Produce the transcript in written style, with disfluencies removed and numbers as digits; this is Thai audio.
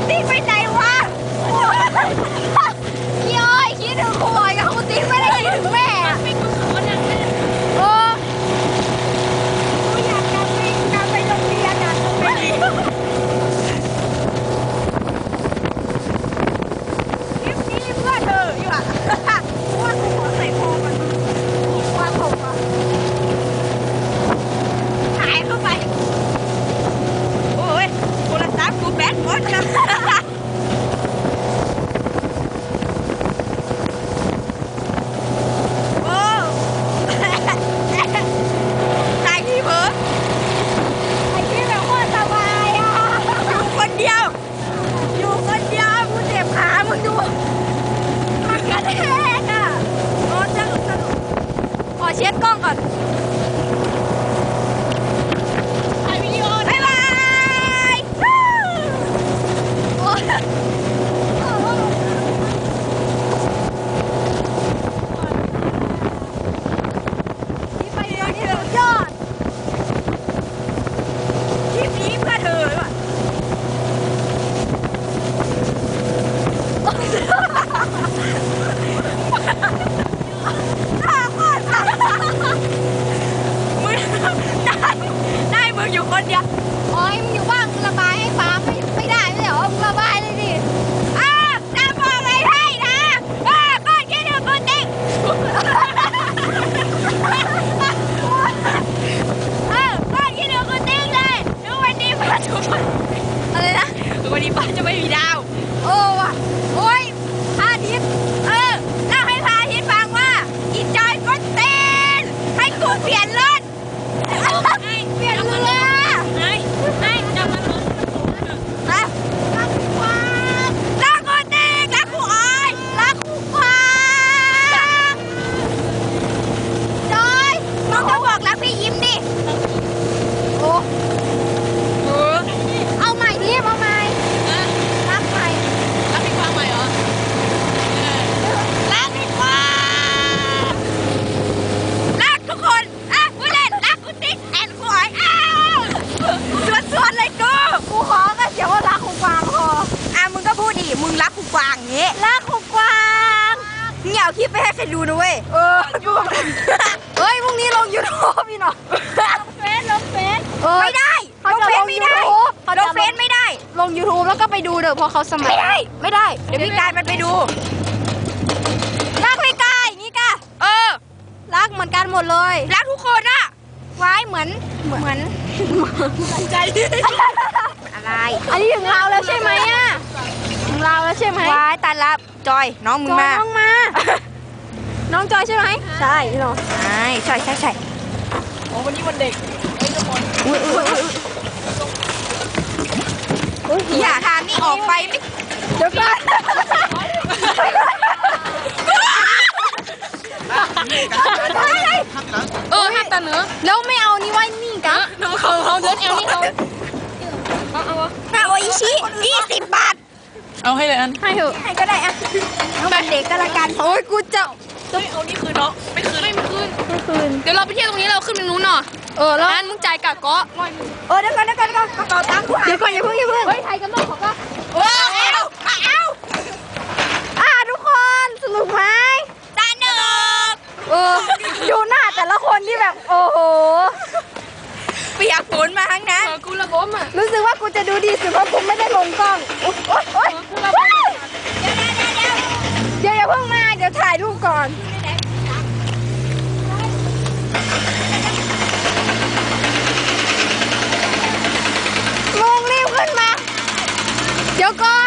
ติ๊กไปไหนวะพี่อ้อยคิดถึงครูอ้อยกับครูติ๊กไม่ได้คิดถึงแม่ไม่กูสอนอย่างนั้นโอ้อยากกลับไปโรงเรียนอ่ะไม่ดีคลิปนี้เพื่อเธออยู่อ่ะว่ากูขอใส่คอมันว่าผมอ่ะหายเข้าไปโอ้ยโทรศัพท์กูแบตหมดแล้วเช็ดกล้องก่อนถ่ายวิดีโอบ๊ายบายโอ้ยนี่ไปเร็วนี่เร็วยอดคลิปนี้เพื่อเธอว่ะได้มึงอยู่คนเดียวโอ้ยมึงอยู่บ้านมึงระบายให้ฟ้าไม่ได้ไม่เหรอมึงระบายเลยดิจะบอกอะไรให้นะก้อนคิดถึงกูติ๊กก้อนคิดถึงกูติ๊กเลยดูวันนี้ป้าจะอะไรนะวันนี้ป้าจะไม่มีดาวโอ้ว่ะโอ้ยพระอาทิตย์เล่าให้พระอาทิตย์ฟังว่าอีจอยก็เต้นให้กูเปลี่ยนรถเปลี่ยนเรือให้จะมาลงรักกูกวางรักกูติ๊กรักกูอ้อยรักกูกวางจอยน้องจะบอกรักพี่ยิ้มดิโอ้เอาใหม่ดิเอาใหม่รักใหม่รักพี่กวางใหม่เหรอรักพี่กวางรักทุกคนกูเล่นรักกูติ๊กแอนกูอ้อยส่วนเลยกูขอก็เสียว่ารักกูกวางพอมึงก็พูดดิมึงรักกูกวางอย่างงี้รักกูกวางมึงอย่าเอาคลิปไปให้ใครดูนะเว้ยเฮ้ยพรุ่งนี้ลง YouTube พี่หน่อยลงเฟซไม่ได้ลงเฟซไม่ได้ลงเฟซไม่ได้ลง YouTube แล้วก็ไปดูเด้อพอเขาสมัครไม่ได้เดี๋ยวพี่กายมันไปดูรักพี่กายอย่างงี้กะรักเหมือนกันหมดเลยรักทุกคนอะไว้เหมือนใจอะไรอันนี้ถึงเราแล้วใช่ไหมอะถึงเราแล้วใช่ไหมไว้ตันละจอยน้องมึงมาน้องมาน้องจอยใช่ไหมใช่เนาะใช่โอ้วันนี้วันเด็กอย่าทางนี่ออกไปไม่เดี๋ยวก่อนห้ามตันเนื้อแล้วไม่เอานี่ไว้นี่กะเขาเดินเอานี่เขาเอาอิชิ20 บาทเอาให้เลยอันให้เถอะให้ก็ได้อะน้องเป็นเด็กก็ละกันโอ้ยกูจะเอานี่คืนเนาะไม่คืนเดี๋ยวเราไปเที่ยวตรงนี้เราขึ้นไปนู้นหน่อยแล้วอันมึงจ่ายกะเกาะเดี๋ยวก่อนกระเป๋าตังค์เดี๋ยวก่อนอย่าเพิ่งเฮ้ยไทยกันต้องขอป่ะเอาทุกคนสนุกไหมสนุกดูหน้าแต่ละคนที่แบบโอ้โหเปียกฝนมาทั้งนั้นกูระบบอ่ะรู้สึกว่ากูจะดูดีสุดเพราะกูไม่ได้ลงกล้องโอ๊ยเดี๋ยวอย่าเพิ่งมาเดี๋ยวถ่ายรูปก่อนลงรีบขึ้นมาเดี๋ยวก่อ